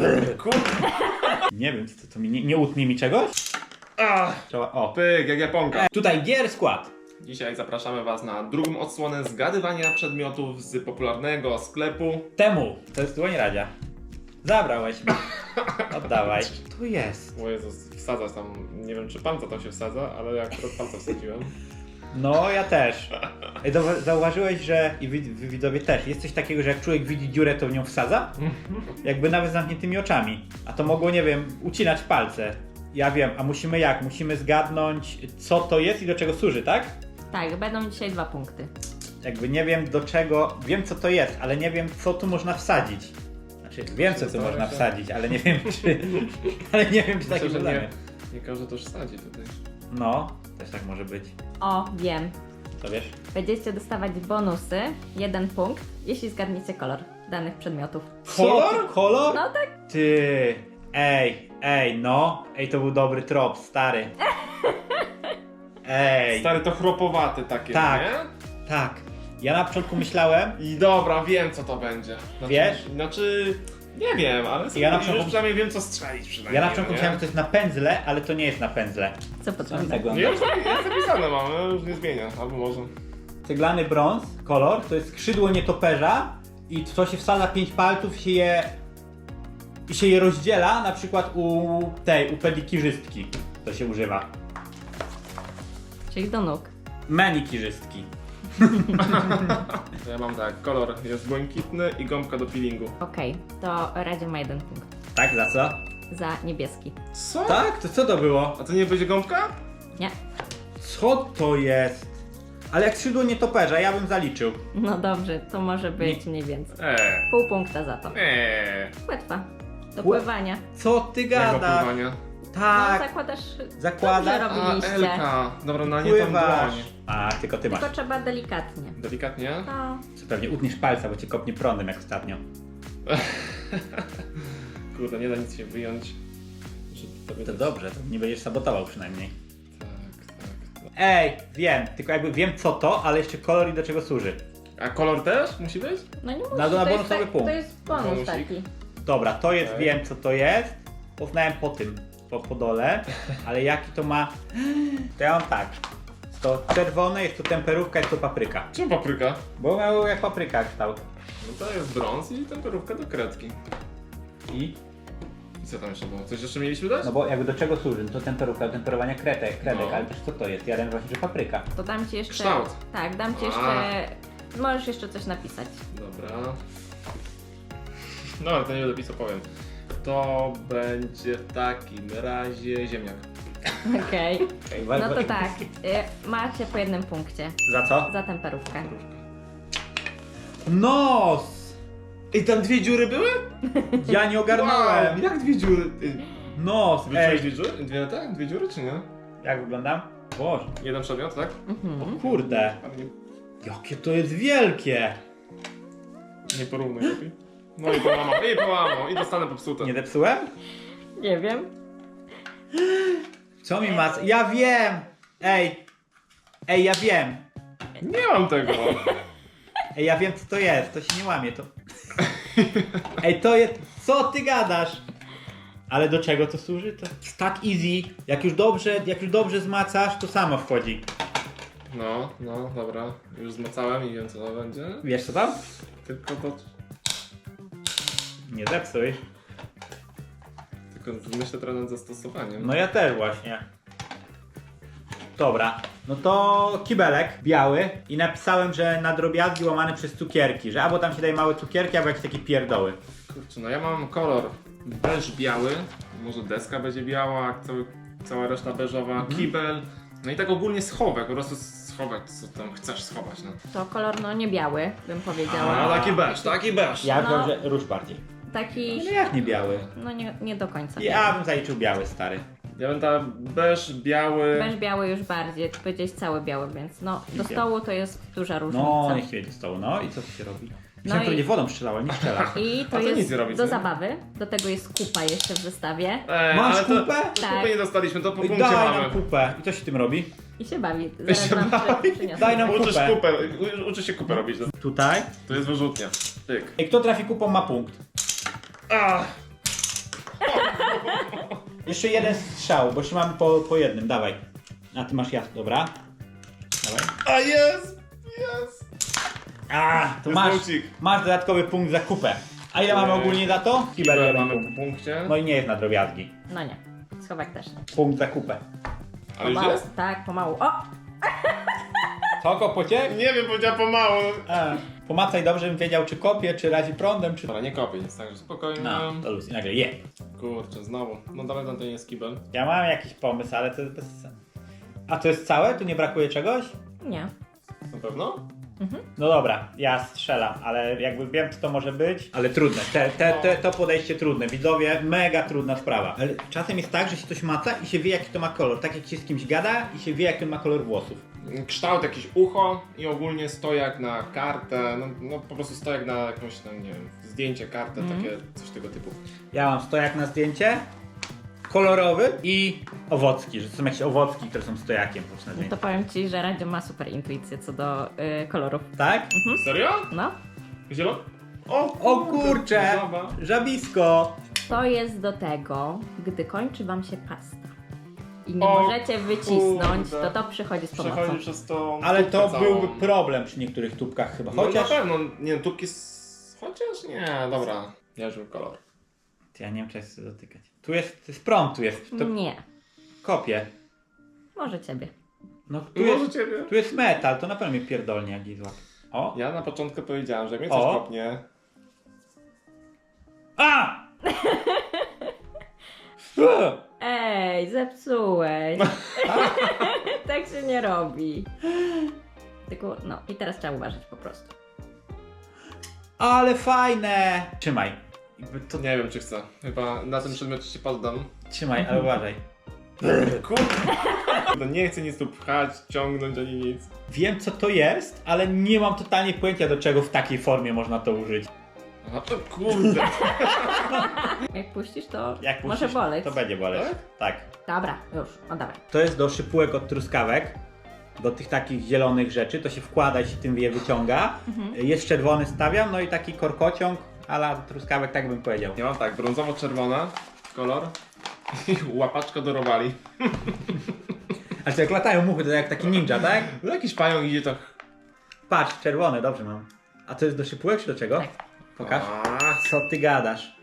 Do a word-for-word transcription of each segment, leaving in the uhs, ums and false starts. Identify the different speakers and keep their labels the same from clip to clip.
Speaker 1: Kurde.
Speaker 2: Nie wiem, co to mi nie, nie utnie mi czegoś?
Speaker 1: Ach,
Speaker 2: Trzeba, o.
Speaker 1: pyk, jak japonka.
Speaker 2: Tutaj gier skład.
Speaker 1: Dzisiaj zapraszamy Was na drugą odsłonę zgadywania przedmiotów z popularnego sklepu.
Speaker 2: Temu. To jest dłoń Radzia. Zabrałeś mi. Oddawaj. To jest.
Speaker 1: O Jezus, wsadzać tam, nie wiem czy palca tam się wsadza, ale ja akurat palca wsadziłem.
Speaker 2: No, ja też. Ej, zauwa- Zauważyłeś, że i wy, wy widzowie też, jest coś takiego, że jak człowiek widzi dziurę, to w nią wsadza? Jakby nawet z zamkniętymi oczami. A to mogło, nie wiem, ucinać palce. Ja wiem, a musimy jak? Musimy zgadnąć, co to jest i do czego służy, tak?
Speaker 3: Tak, będą dzisiaj dwa punkty.
Speaker 2: Jakby nie wiem do czego, wiem co to jest, ale nie wiem co tu można wsadzić. Znaczy wiem co tu
Speaker 1: Zastanawiam
Speaker 2: można
Speaker 1: się.
Speaker 2: wsadzić, ale nie wiem czy... ale nie wiem czy takie
Speaker 1: Myślę, że
Speaker 2: zadanie.
Speaker 1: nie, nie każdy to wsadzi tutaj.
Speaker 2: No, też tak może być.
Speaker 3: O, wiem.
Speaker 2: To wiesz?
Speaker 3: Będziecie dostawać bonusy, jeden punkt, jeśli zgadniecie kolor danych przedmiotów.
Speaker 2: Kolor? Co, ty, kolor?
Speaker 3: No tak.
Speaker 2: Ty, ej, ej, no. Ej, to był dobry trop, stary. Ej,
Speaker 1: Stary to chropowaty takie,
Speaker 2: Tak.
Speaker 1: nie?
Speaker 2: tak. Ja na początku myślałem,
Speaker 1: I dobra, wiem co to będzie. Znaczy,
Speaker 2: Wiesz?
Speaker 1: Znaczy, nie wiem, ale sobie
Speaker 2: Ja na
Speaker 1: już
Speaker 2: początku-
Speaker 1: przynajmniej wiem co strzelić przynajmniej.
Speaker 2: ja na początku
Speaker 1: nie?
Speaker 2: myślałem, że to jest na pędzle, ale to nie jest na pędzle.
Speaker 3: Co
Speaker 2: Co mi
Speaker 3: potrzebne?
Speaker 2: tak
Speaker 1: Nie,
Speaker 2: wygląda?
Speaker 1: już zapi- jest zapisane mam, ale już nie zmienia, albo może.
Speaker 2: Ceglany brąz, kolor, to jest skrzydło nietoperza i w to się wsadza pięć palców i się je, i się je rozdziela, na przykład u tej, u pedikirzystki to się używa.
Speaker 3: Czyli do nóg.
Speaker 2: Manikirzystki.
Speaker 1: To ja mam tak, kolor jest błękitny i gąbka do peelingu.
Speaker 3: Okej, to Radzie ma jeden punkt.
Speaker 2: Tak, za co?
Speaker 3: Za niebieski.
Speaker 1: Co?
Speaker 2: Tak? To co to było?
Speaker 1: A to nie będzie gąbka?
Speaker 3: Nie.
Speaker 2: Co to jest? Ale jak skrzydło nietoperza, ja bym zaliczył.
Speaker 3: No dobrze, to może być mniej więcej.
Speaker 1: Eee.
Speaker 3: Pół punkta za to.
Speaker 1: Eee.
Speaker 3: Płetwa. Do
Speaker 2: Płe-
Speaker 3: pływania.
Speaker 2: Co ty
Speaker 1: Jak
Speaker 2: gadasz?
Speaker 1: opływania?
Speaker 3: No
Speaker 2: Tak,
Speaker 3: zakładasz...
Speaker 2: zakładasz.
Speaker 3: Dobrze
Speaker 1: A,
Speaker 3: robiliście.
Speaker 1: Elka. Dobra, na nie tam
Speaker 2: Pływasz.
Speaker 1: dłoń.
Speaker 2: A, tylko ty masz.
Speaker 3: Tylko trzeba delikatnie.
Speaker 1: Delikatnie?
Speaker 3: No.
Speaker 2: Co pewnie utniesz palca, bo cię kopnie prądem jak ostatnio.
Speaker 1: Kurde, nie da nic się wyjąć. Że tobie
Speaker 2: To
Speaker 1: też-
Speaker 2: dobrze, to nie będziesz sabotował przynajmniej.
Speaker 1: Tak, tak, tak.
Speaker 2: Ej, wiem, tylko jakby wiem co to, ale jeszcze kolor i do czego służy.
Speaker 1: A kolor też musi być?
Speaker 3: No nie musi,
Speaker 2: Na- na
Speaker 3: to, jest
Speaker 2: bonusowy
Speaker 3: tak,
Speaker 2: punkt.
Speaker 3: to jest bonus
Speaker 1: Bonusik.
Speaker 3: taki.
Speaker 2: Dobra, to jest,
Speaker 1: Okej.
Speaker 2: wiem co to jest. Poznałem po tym, po, po dole, ale jaki to ma... To ja mam tak. Jest to czerwone, jest to temperówka, jest to papryka.
Speaker 1: Czemu papryka?
Speaker 2: Bo miał jak papryka kształt.
Speaker 1: No to jest brąz i temperówka do kredki.
Speaker 2: I?
Speaker 1: I co tam jeszcze było? Coś jeszcze mieliśmy dać?
Speaker 2: No bo jakby do czego służy? No to temperówka do temperowania kredek, kredek,
Speaker 1: No.
Speaker 2: ale też co to jest? Ja wiem właśnie, że papryka.
Speaker 3: To dam ci jeszcze...
Speaker 1: Kształt.
Speaker 3: Tak, dam ci
Speaker 1: A.
Speaker 3: jeszcze... Możesz jeszcze coś napisać.
Speaker 1: Dobra. No ale to nie będę pisał, powiem. To będzie w takim razie ziemniak.
Speaker 3: Okej.
Speaker 2: Ej,
Speaker 3: No
Speaker 2: wa-
Speaker 3: to
Speaker 2: wa-
Speaker 3: tak, y, macie po jednym punkcie.
Speaker 2: Za co?
Speaker 3: Za temperówkę.
Speaker 2: Nos!
Speaker 1: Ej, tam dwie dziury były?
Speaker 2: Ja nie ogarnąłem!
Speaker 1: Wow, jak dwie dziury? Ty
Speaker 2: Nos!
Speaker 1: wyczułeś
Speaker 2: Ej!
Speaker 1: dwie dziury? Dwie, tak? Dwie dziury czy nie?
Speaker 2: Jak wyglądam? Boże,
Speaker 1: Jeden przedmiot, tak?
Speaker 3: Mhm.
Speaker 2: kurde!
Speaker 1: Ale nie,
Speaker 2: Jakie to jest wielkie!
Speaker 1: nie porównuj lepiej. No i połamał, i połamał, i dostanę popsute.
Speaker 2: Nie zepsułem?
Speaker 3: Nie wiem.
Speaker 2: Co mi ma... Ja wiem! Ej! Ej, ja wiem!
Speaker 1: Nie mam tego.
Speaker 2: Ej, ja wiem co to jest, to się nie łamie, to... Ej, to jest... Co ty gadasz? Ale do czego to służy? To jest tak easy. Jak już dobrze, jak już dobrze zmacasz, to samo wchodzi.
Speaker 1: No, no, dobra. Już zmacałem i wiem co to będzie.
Speaker 2: Wiesz co tam?
Speaker 1: Tylko to...
Speaker 2: Nie zepsuj.
Speaker 1: Tylko myślę trochę nad zastosowaniem.
Speaker 2: No ja też właśnie. Dobra, no to kibelek biały i napisałem, że na drobiazgi łamane przez cukierki, że albo tam się daje małe cukierki, albo jakieś takie pierdoły.
Speaker 1: Kurczę, no ja mam kolor beż biały, może deska będzie biała, cały, cała reszta beżowa,
Speaker 2: Mhm.
Speaker 1: kibel, no i tak ogólnie schowek, po prostu schowek, co tam chcesz schować, no.
Speaker 3: To kolor no nie biały, bym powiedziała.
Speaker 1: A, taki beż, taki beż.
Speaker 2: Ja
Speaker 3: No.
Speaker 2: wiem, że róż bardziej.
Speaker 3: Taki...
Speaker 2: No jak nie biały?
Speaker 3: No nie, nie do końca.
Speaker 2: Ja bym zaliczył biały, stary.
Speaker 1: Ja bym tam beż biały,
Speaker 3: Beż biały już bardziej, ty powiedziałeś cały biały, więc no do stołu to jest duża różnica.
Speaker 2: No, niech się do stołu, no i co tu się robi? Myślałem,
Speaker 3: No
Speaker 2: że
Speaker 3: i-
Speaker 2: nie wodą strzelała, nie strzela.
Speaker 3: I
Speaker 1: A
Speaker 3: to
Speaker 1: to
Speaker 3: jest
Speaker 1: nic nie robi,
Speaker 3: do
Speaker 1: co?
Speaker 3: zabawy, do tego jest kupa jeszcze w zestawie
Speaker 1: Ej,
Speaker 2: Masz
Speaker 1: ale to,
Speaker 2: kupę?
Speaker 1: To
Speaker 3: Tak.
Speaker 1: kupy nie dostaliśmy, to po
Speaker 2: Oj,
Speaker 1: punkcie
Speaker 2: daj
Speaker 1: mamy.
Speaker 2: nam kupę. I co się tym robi?
Speaker 3: i się bawi.
Speaker 1: I
Speaker 3: Zaraz
Speaker 1: się
Speaker 3: wam
Speaker 1: bawi.
Speaker 3: przy- przyniosę.
Speaker 2: Daj nam
Speaker 1: Uczysz
Speaker 2: kupę.
Speaker 1: kupę, u- uczy się kupę robić, to,
Speaker 2: Tutaj.
Speaker 1: to jest wyrzutnia. Tyk.
Speaker 2: I kto trafi kupą ma punkt.
Speaker 1: Ah.
Speaker 2: Jeszcze jeden strzał, bo jeszcze mamy po, po jednym, dawaj. A ty masz jasno, dobra. Dawaj.
Speaker 1: A jest! Jest!
Speaker 2: A, to
Speaker 1: Jest
Speaker 2: masz,
Speaker 1: punkcik.
Speaker 2: masz dodatkowy punkt za kupę. A ile mamy
Speaker 1: Eee,
Speaker 2: ogólnie za to? Kibel
Speaker 1: Kibel
Speaker 2: jeden
Speaker 1: mamy
Speaker 2: punkt.
Speaker 1: po punkcie.
Speaker 2: No i nie jest na drobiazgi.
Speaker 3: No nie. Schowek też nie.
Speaker 2: Punkt za kupę.
Speaker 1: Ale już
Speaker 3: Pomału.
Speaker 1: jest?
Speaker 3: Tak, pomału. O!
Speaker 2: Co, kopocie?
Speaker 1: Nie wiem, powiedziała pomału.
Speaker 2: A, pomacaj dobrze, bym wiedział, czy kopie, czy razi prądem, czy...
Speaker 1: Dobra, nie kopię, nic, także spokojnie.
Speaker 2: No, to luz. I nagle je.
Speaker 1: Kurczę, znowu. No dalej tam to nie jest kibel.
Speaker 2: Ja mam jakiś pomysł, ale to jest bez sensu. A to jest całe? Tu nie brakuje czegoś?
Speaker 3: Nie.
Speaker 1: Na pewno?
Speaker 2: No dobra, ja strzelam, ale jakby wiem, co to może być. Ale trudne, te, te, te, to podejście trudne. Widzowie, mega trudna sprawa. Ale czasem jest tak, że się coś maca i się wie, jaki to ma kolor. Tak jak się z kimś gada i się wie, jaki on ma kolor włosów.
Speaker 1: Kształt jakieś ucho i ogólnie stojak na kartę, no, no po prostu stojak na jakąś, no nie wiem, zdjęcie, kartę, takie coś tego typu.
Speaker 2: Ja mam stojak na zdjęcie, kolorowy i owocki, że to są jakieś owocki, które są stojakiem po prostu na
Speaker 3: No
Speaker 2: zdjęciu.
Speaker 3: to powiem ci, że Radzio ma super intuicję co do y, kolorów.
Speaker 2: Tak?
Speaker 1: Serio?
Speaker 3: No.
Speaker 1: Zielony? O,
Speaker 2: O kurcze!
Speaker 1: żaba.
Speaker 2: Żabisko!
Speaker 3: To jest do tego, gdy kończy wam się pasta i nie
Speaker 1: O
Speaker 3: możecie wycisnąć,
Speaker 1: kurde.
Speaker 3: to to przychodzi z pomocą.
Speaker 1: Przechodzi przez to.
Speaker 2: Ale to
Speaker 1: tubkę całą.
Speaker 2: byłby problem przy niektórych tubkach chyba.
Speaker 1: No
Speaker 2: Chociaż...
Speaker 1: na pewno, nie wiem, tubki z... Chociaż nie, dobra. Ja już wiem kolor.
Speaker 2: Ja nie wiem, czy ja chcę dotykać. Tu jest, to jest prąd, tu jest. To
Speaker 3: Nie.
Speaker 2: kopie.
Speaker 3: Może ciebie.
Speaker 2: No tu
Speaker 1: Może
Speaker 2: jest,
Speaker 1: ciebie.
Speaker 2: tu jest metal, to na pewno mnie pierdolnie jak jej złap. O!
Speaker 1: Ja na początku powiedziałem, że jak mnie coś
Speaker 2: O.
Speaker 1: kopnie.
Speaker 2: A! Ua!
Speaker 3: Ej, zepsułeś. Tak się nie robi. Tylko, no i teraz trzeba uważać po prostu.
Speaker 2: Ale fajne! Trzymaj. Jakby to...
Speaker 1: Nie wiem czy chcę. Chyba na tym przedmiocie się poddam.
Speaker 2: Trzymaj, ale uważaj.
Speaker 1: Kurde. Nie chcę nic tu pchać, ciągnąć ani nic.
Speaker 2: Wiem co to jest, ale nie mam totalnie pojęcia do czego w takiej formie można to użyć.
Speaker 1: Aha, to kurde.
Speaker 3: Jak puścisz, to
Speaker 2: Jak
Speaker 3: może
Speaker 2: puścisz,
Speaker 3: boleć.
Speaker 2: to będzie boleć. Tak?
Speaker 3: Dobra, już, oddawaj.
Speaker 2: To jest do szypułek od truskawek. Do tych takich zielonych rzeczy. To się wkłada i się tym je wyciąga. Jest czerwony stawiam, no i taki korkociąg ala truskawek, tak bym powiedział.
Speaker 1: Ja mam tak, brązowo-czerwona kolor i łapaczka do robali.
Speaker 2: Ale to jak latają muchy, to jak taki ninja, tak?
Speaker 1: No jakiś pająk idzie to...
Speaker 2: Patrz, czerwone, dobrze mam. A to jest do szypułek czy do czego?
Speaker 3: Tak.
Speaker 2: Pokaż.
Speaker 1: A,
Speaker 2: Co ty gadasz?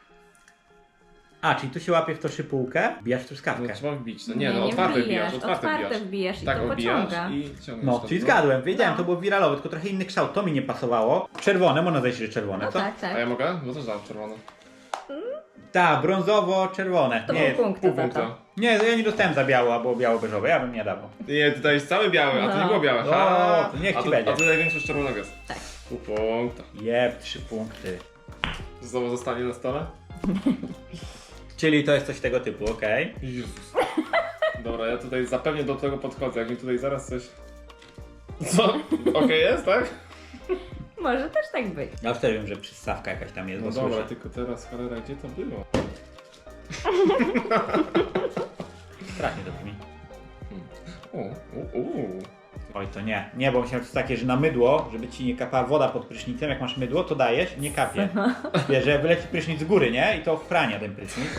Speaker 2: A, czyli tu się łapie w to szypułkę, bijasz truskawkę.
Speaker 1: no trzeba wbić. No nie, no otwarte
Speaker 3: wbijasz,
Speaker 1: wbijasz, otwarte
Speaker 3: otwarte
Speaker 1: wbijasz.
Speaker 3: wbijasz i
Speaker 1: Tak,
Speaker 3: to
Speaker 1: obijasz
Speaker 3: pociąga.
Speaker 1: i ciągniesz
Speaker 2: No,
Speaker 1: to.
Speaker 2: czyli zgadłem, wiedziałem,
Speaker 3: No.
Speaker 2: to było wiralowe, tylko trochę inny kształt, to mi nie pasowało. Czerwone, można zejść, że czerwone,
Speaker 3: No
Speaker 2: co?
Speaker 3: tak, tak.
Speaker 1: A ja mogę? Bo też dałem czerwone.
Speaker 2: Tak, brązowo-czerwone.
Speaker 3: To
Speaker 2: Nie,
Speaker 3: był punkt
Speaker 1: Pół
Speaker 3: za
Speaker 1: punkta.
Speaker 3: to.
Speaker 2: nie, ja nie dostałem za biało albo biało-beżowe, ja bym nie dawał.
Speaker 1: Nie, tutaj jest cały biały, a to
Speaker 3: No.
Speaker 1: nie było białe.
Speaker 2: O,
Speaker 1: Ha!
Speaker 2: to niech
Speaker 1: a
Speaker 2: ci
Speaker 1: to,
Speaker 2: będzie.
Speaker 1: A tutaj większość czerwonego jest.
Speaker 3: Tak.
Speaker 1: Pół punkta.
Speaker 2: Jeb, trzy punkty.
Speaker 1: Znowu zostanie na stole?
Speaker 2: Czyli to jest coś tego typu, okej.
Speaker 1: Jezus. Dobra, ja tutaj zapewnie do tego podchodzę, jak mi tutaj zaraz coś... Co? Okej jest, tak?
Speaker 3: Może też tak być.
Speaker 2: Ja już też wiem, że przystawka jakaś tam jest,
Speaker 1: No
Speaker 2: bo
Speaker 1: dobra,
Speaker 2: słyszę.
Speaker 1: tylko teraz cholera, gdzie to było?
Speaker 2: Strasznie to brzmi.
Speaker 1: U, u, u.
Speaker 2: Oj, to nie. Nie, bo myślałem, że to jest takie, że na mydło, żeby ci nie kapała woda pod prysznicem, jak masz mydło, to dajesz i nie kapie. Wiesz, że wyleci prysznic z góry, nie? I to ochrania ten prysznic.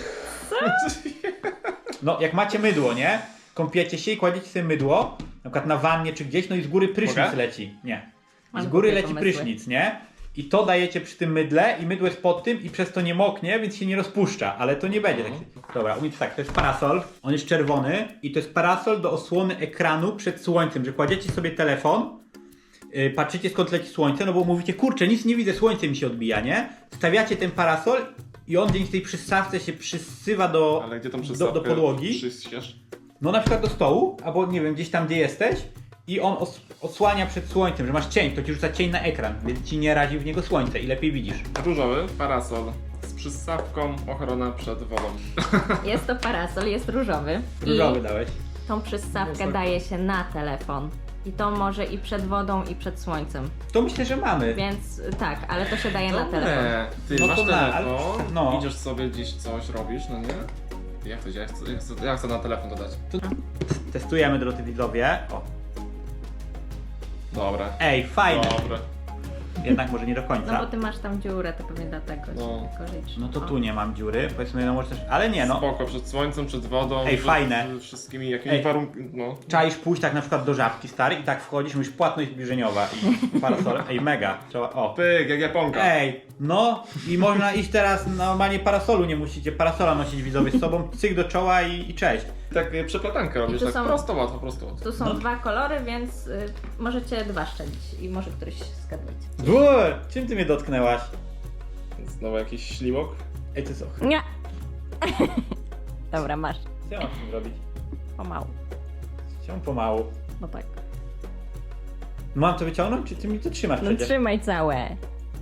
Speaker 2: No, jak macie mydło, nie? Kąpiecie się i kładziecie sobie mydło, na przykład na wannie czy gdzieś, no i z góry prysznic
Speaker 1: Mogę?
Speaker 2: leci. Nie.
Speaker 3: Mam
Speaker 2: Z góry
Speaker 3: głupie
Speaker 2: leci
Speaker 3: pomysły.
Speaker 2: prysznic, nie? I to dajecie przy tym mydle i mydło jest pod tym i przez to nie moknie, więc się nie rozpuszcza, ale to nie będzie tak. Dobra, umiem tak, to jest parasol, on jest czerwony i to jest parasol do osłony ekranu przed słońcem, że kładziecie sobie telefon, yy, patrzycie skąd leci słońce, no bo mówicie, kurczę, nic nie widzę, słońce mi się odbija, nie? Stawiacie ten parasol i on dzięki tej przystawce się przysywa do,
Speaker 1: Ale gdzie tam
Speaker 2: do,
Speaker 1: przystawkę
Speaker 2: do podłogi.
Speaker 1: przyściesz?
Speaker 2: No na przykład do stołu, albo nie wiem, gdzieś tam gdzie jesteś i on os osłania przed słońcem, że masz cień, to ci rzuca cień na ekran, więc ci nie razi w niego słońce i lepiej widzisz.
Speaker 1: Różowy parasol z przystawką ochrona przed wodą.
Speaker 3: Jest to parasol, jest różowy.
Speaker 2: Różowy
Speaker 3: I
Speaker 2: dałeś.
Speaker 3: tą przystawkę
Speaker 1: No,
Speaker 3: daje się na telefon. I to może i przed wodą, i przed słońcem.
Speaker 2: To myślę, że mamy.
Speaker 3: Więc y, tak, ale to się daje na telefon.
Speaker 1: Dobre. Ty
Speaker 2: No
Speaker 1: masz
Speaker 2: to na, ale-
Speaker 1: telefon,
Speaker 2: no.
Speaker 1: idziesz sobie gdzieś coś robisz, no nie? Jak to działa? Ja chcę, ja chcę, ja chcę na telefon dodać.
Speaker 2: Testujemy, drodzy widzowie. O.
Speaker 1: Dobra.
Speaker 2: Ej, fajne.
Speaker 1: Dobra.
Speaker 2: jednak może nie do
Speaker 3: No
Speaker 2: końca.
Speaker 3: bo ty masz tam dziurę, to pewnie dlatego
Speaker 1: No.
Speaker 3: ci tylko życz.
Speaker 2: No to
Speaker 3: O.
Speaker 2: tu nie mam dziury, powiedzmy, no może też, ale nie no.
Speaker 1: Spoko, przed słońcem, przed wodą.
Speaker 2: Ej,
Speaker 1: przed,
Speaker 2: fajne.
Speaker 1: przed wszystkimi jakimiś
Speaker 2: Ej.
Speaker 1: warunkami. No.
Speaker 2: Czaisz pójść tak na przykład do Żabki, stary, i tak wchodzisz, mówisz płatność zbliżeniowa i parasole. Ej, mega. Trzeba, o.
Speaker 1: Pyk, jak japonka.
Speaker 2: Ej, no i można iść teraz, normalnie parasolu nie musicie, parasola nosić widzowie z sobą, cyk do czoła i, i cześć.
Speaker 1: Tak e, przeplatankę robisz,
Speaker 3: tu
Speaker 1: tak
Speaker 3: są-
Speaker 1: prosto, łatwo, prosto. łatwo.
Speaker 3: Tu są
Speaker 2: No.
Speaker 3: dwa kolory, więc y, możecie dwa szczelić i może któryś zgadniecie.
Speaker 2: Bur, czym ty mnie dotknęłaś?
Speaker 1: Znowu jakiś ślimok.
Speaker 2: Ej, to co?
Speaker 3: Nie! Dobra, masz.
Speaker 2: Co ja mam z tym robić?
Speaker 3: Pomału.
Speaker 2: Chciałem pomału.
Speaker 3: No tak.
Speaker 2: Mam to wyciągnąć, czy ty mi to trzymasz
Speaker 3: No
Speaker 2: przecież?
Speaker 3: trzymaj całe.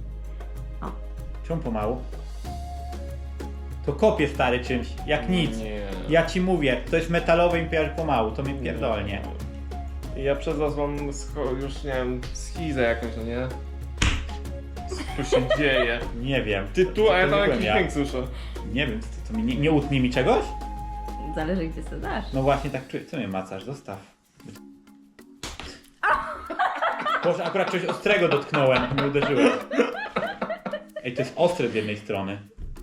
Speaker 2: Czemu pomału? To kopię stary czymś, jak nic.
Speaker 1: Nie.
Speaker 2: Ja ci mówię, to jest metalowe i pier pomału, to mnie pierdolnie.
Speaker 1: Ja przez was mam scho- już nie wiem, schizę jakąś, no nie? Co się dzieje?
Speaker 2: Nie wiem.
Speaker 1: Ty tu, a ja tam
Speaker 2: byłem
Speaker 1: jakiś dźwięk słyszę.
Speaker 2: Nie wiem, to, to mi nie, nie utnie mi czegoś?
Speaker 3: Zależy gdzie sobie dasz.
Speaker 2: No właśnie tak czuję. Co mnie macasz? Zostaw. Boże, akurat coś ostrego dotknąłem, nie uderzyłem. Ej, to jest ostre z jednej strony.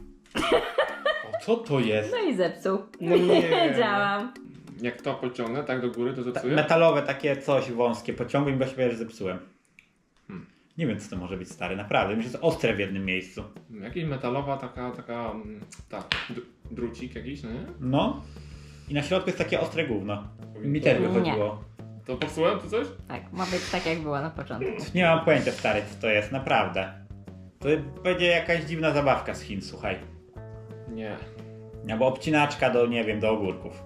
Speaker 2: O, co to jest?
Speaker 3: No i zepsuł.
Speaker 1: No nie.
Speaker 3: Wiedziałam.
Speaker 1: Jak to pociągnę, tak do góry, to
Speaker 2: Ta,
Speaker 1: zepsuję?
Speaker 2: metalowe takie coś wąskie, pociągłem i go się że zepsułem.
Speaker 1: Hmm.
Speaker 2: Nie wiem co to może być stary, naprawdę. Myślę, że jest ostre w jednym miejscu.
Speaker 1: Jakiś metalowa taka, taka, mm, tak, dr- drucik jakiś, no nie?
Speaker 2: No. I na środku jest takie ostre gówno. Mi
Speaker 1: To-
Speaker 2: też wychodziło.
Speaker 1: To popsułem, czy coś?
Speaker 3: Tak, ma być tak jak było na początku.
Speaker 2: Nie mam pojęcia stary, co to jest, naprawdę. To będzie jakaś dziwna zabawka z Chin, słuchaj.
Speaker 1: Nie.
Speaker 2: Albo obcinaczka do, nie wiem, do ogórków.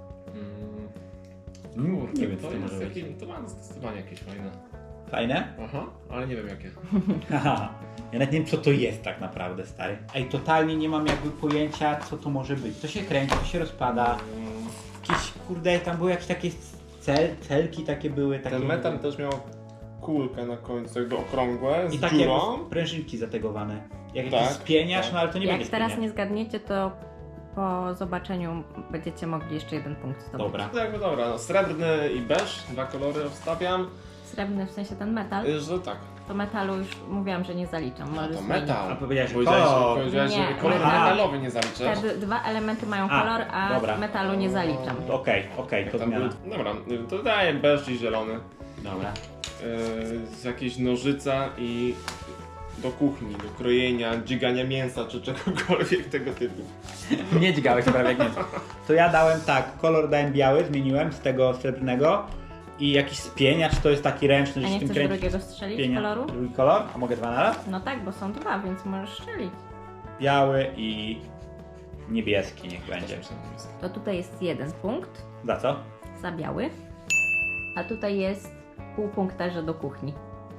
Speaker 1: Mm.
Speaker 2: Mm,
Speaker 1: Kurde,
Speaker 2: nie wiem, co
Speaker 1: to,
Speaker 2: to
Speaker 1: jest
Speaker 2: może być.
Speaker 1: jakieś, to ma zdecydowanie jakieś fajne.
Speaker 2: Fajne?
Speaker 1: Aha, ale nie wiem jakie.
Speaker 2: Haha. Ja nawet nie wiem, co to jest tak naprawdę, stary. Ej, totalnie nie mam jakby pojęcia, co to może być. To się kręci, to się rozpada.
Speaker 1: Mm.
Speaker 2: Jakieś, kurde, tam były jakieś takie cel, celki takie były. Takie
Speaker 1: Ten metal też miał kulkę na końcu, jakby okrągłe, z
Speaker 2: I takie
Speaker 1: dziurą.
Speaker 2: jakby prężynki zategowane. Jak
Speaker 1: Tak,
Speaker 2: jakiś spieniasz,
Speaker 1: tak.
Speaker 2: no ale to nie
Speaker 3: Jak
Speaker 2: będzie
Speaker 3: teraz
Speaker 2: spieniacz.
Speaker 3: nie zgadniecie, to po zobaczeniu będziecie mogli jeszcze jeden punkt zdobyć.
Speaker 2: Dobra.
Speaker 1: To jakby dobra, no, srebrny i beż, dwa kolory obstawiam,
Speaker 3: Srebrny w sensie ten metal,
Speaker 1: y, że tak.
Speaker 3: to metalu już mówiłam, że nie zaliczam.
Speaker 1: A
Speaker 3: Możesz
Speaker 1: to
Speaker 3: zmienić.
Speaker 1: metal.
Speaker 2: A powiedziałeś, że
Speaker 1: Powiedziałeś,
Speaker 2: kolor.
Speaker 1: że, powiedziałeś,
Speaker 3: Nie,
Speaker 1: że kolor
Speaker 2: aha.
Speaker 1: metalowy nie zaliczasz.
Speaker 3: Te d- dwa elementy mają
Speaker 2: A,
Speaker 3: kolor, a
Speaker 2: dobra.
Speaker 3: metalu nie zaliczam.
Speaker 2: To Okej, okej, to
Speaker 1: Tam
Speaker 2: zmiana.
Speaker 1: był, dobra, y, to daję beż i zielony.
Speaker 2: Dobra.
Speaker 1: Yy, z jakiejś nożyca i do kuchni, do krojenia, dzigania mięsa czy czegokolwiek tego typu.
Speaker 2: Nie dźgałeś prawie jak nie. To ja dałem tak, kolor dałem biały, zmieniłem z tego srebrnego i jakiś spieniacz, to jest taki ręczny,
Speaker 3: A
Speaker 2: że
Speaker 3: nie
Speaker 2: się tym
Speaker 3: chcesz
Speaker 2: kręci.
Speaker 3: drugiego strzelić
Speaker 2: Spienia-
Speaker 3: koloru?
Speaker 2: Drugi kolor? A mogę dwa na raz?
Speaker 3: No tak, bo są dwa, więc możesz strzelić.
Speaker 2: Biały i niebieski niech będzie.
Speaker 3: To tutaj jest jeden punkt
Speaker 2: Za co?
Speaker 3: za biały, a tutaj jest pół punkta, że do kuchni.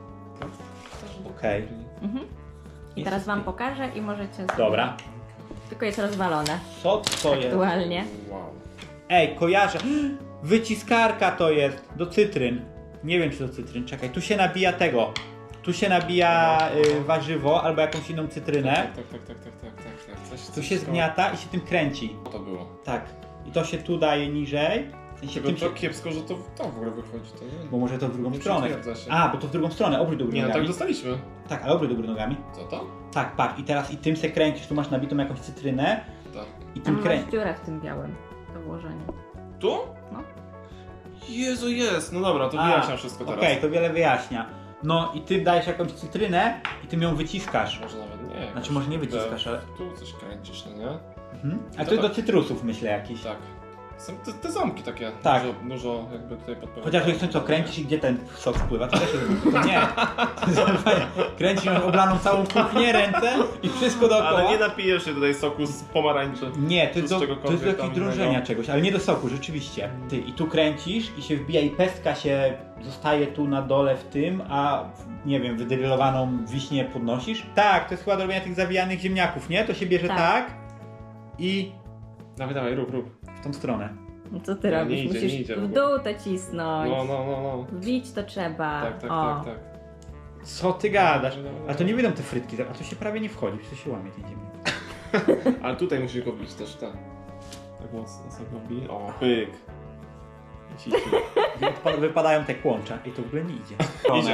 Speaker 2: Okej.
Speaker 3: Mhm. I teraz wam pokażę i możecie zrobić.
Speaker 2: Dobra.
Speaker 3: Tylko jest rozwalone
Speaker 2: Co to jest?
Speaker 3: aktualnie.
Speaker 1: Wow.
Speaker 2: Ej, kojarzę. Wyciskarka to jest do cytryn. Nie wiem czy do cytryn, czekaj. Tu się nabija tego. Tu się nabija y, warzywo albo jakąś inną cytrynę.
Speaker 1: Tak, tak, tak, tak, tak, tak, tak, tak. Coś,
Speaker 2: Tu
Speaker 1: coś
Speaker 2: się
Speaker 1: koło-
Speaker 2: zgniata i się tym kręci.
Speaker 1: To było.
Speaker 2: Tak. I to się tu daje niżej. W sensie
Speaker 1: Tylko
Speaker 2: tym się...
Speaker 1: to kiepsko, że to to w ogóle wychodzi, to nie?
Speaker 2: Bo może to w drugą
Speaker 1: Nie
Speaker 2: stronę.
Speaker 1: przytwierdza się.
Speaker 2: A, bo to w drugą stronę, obróć do góry
Speaker 1: Nie, no tak
Speaker 2: nogami.
Speaker 1: dostaliśmy.
Speaker 2: Tak, ale obróć do góry nogami.
Speaker 1: Co to?
Speaker 2: Tak, patrz. I teraz i tym se kręcisz. Tu masz nabitą jakąś cytrynę
Speaker 1: Tak.
Speaker 2: i
Speaker 3: Tam
Speaker 2: tym
Speaker 3: masz
Speaker 2: kręcisz.
Speaker 3: dziurę w tym białym do włożenia.
Speaker 1: Tu?
Speaker 3: No.
Speaker 1: Jezu, jest. No dobra, to
Speaker 2: A,
Speaker 1: wyjaśniam wszystko teraz.
Speaker 2: Okej, to wiele wyjaśnia. No i ty dajesz jakąś cytrynę i tym ją wyciskasz.
Speaker 1: Może nawet nie.
Speaker 2: Znaczy, może nie wyciskasz, ale-
Speaker 1: Tu coś kręcisz, no nie?
Speaker 2: Mhm. A
Speaker 1: No
Speaker 2: to jest
Speaker 1: tak.
Speaker 2: do cytrusów myślę jakiś.
Speaker 1: Tak. Są te, te ząbki takie.
Speaker 2: Tak.
Speaker 1: Dużo, dużo jakby tutaj podpowiadają.
Speaker 2: Chociaż jak co, kręcisz i gdzie ten sok spływa, to też jest to nie. Kręcisz masz oblaną całą kuchnię, ręce i wszystko dookoła.
Speaker 1: Ale nie napijesz się tutaj soku z pomarańczy.
Speaker 2: Nie, to
Speaker 1: Czy
Speaker 2: jest
Speaker 1: z
Speaker 2: do, to
Speaker 1: czegokolwiek
Speaker 2: jest do
Speaker 1: tam
Speaker 2: jakiegoś drążenia
Speaker 1: innego.
Speaker 2: czegoś, ale nie do soku, rzeczywiście. Ty, i tu kręcisz i się wbija i pestka się zostaje tu na dole w tym, a w- nie wiem, wydrylowaną wiśnię podnosisz. Tak, to jest chyba do robienia tych zawijanych ziemniaków, nie? To się bierze tak,
Speaker 3: Tak.
Speaker 2: i
Speaker 1: Dawaj, dawaj, rób, rób.
Speaker 2: w tą stronę.
Speaker 3: No co ty
Speaker 1: Nie,
Speaker 3: robisz?
Speaker 1: nie idzie,
Speaker 3: Musisz
Speaker 1: nie idzie w
Speaker 3: w
Speaker 1: ogóle.
Speaker 3: dół to cisnąć.
Speaker 1: No, no, no, no.
Speaker 3: Wbić to trzeba.
Speaker 1: Tak, tak,
Speaker 3: o.
Speaker 1: tak, tak.
Speaker 2: Co ty gadasz?
Speaker 1: Dobra, dobra,
Speaker 2: A to nie wyjdą te frytki, a to się prawie nie wchodzi, to się łamie ten ziemniak.
Speaker 1: Ale tutaj musisz go wbić też, tak. Tak mocno sobie go wbij. O, pyk. I ci-
Speaker 2: Wypa- Wypadają te kłącza i to w ogóle nie idzie.
Speaker 1: Idzie.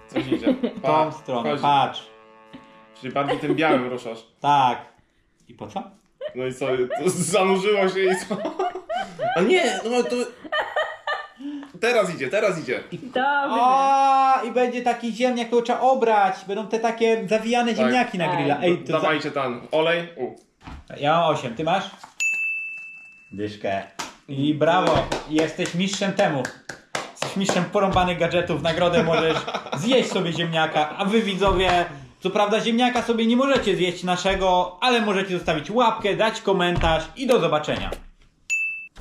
Speaker 1: Coś idzie.
Speaker 2: W tą stronę,
Speaker 1: chodzi.
Speaker 2: patrz.
Speaker 1: Czyli bardziej tym białym ruszasz.
Speaker 2: Tak. I po co?
Speaker 1: No i co? To zanurzyło się i co? A nie, no to... Teraz idzie, teraz idzie.
Speaker 3: Dobrze.
Speaker 2: O, i będzie taki ziemniak, to trzeba obrać. Będą te takie zawijane
Speaker 1: Tak.
Speaker 2: ziemniaki na
Speaker 3: Tak.
Speaker 2: grilla. Ej, to za...
Speaker 1: Dawajcie tam olej. U.
Speaker 2: Ja mam osiem, ty masz? Dyszkę. I brawo, jesteś mistrzem temu. Jesteś mistrzem porąbanych gadżetów, nagrodę możesz zjeść sobie ziemniaka, a wy widzowie, co prawda ziemniaka sobie nie możecie zjeść naszego, ale możecie zostawić łapkę, dać komentarz i do zobaczenia.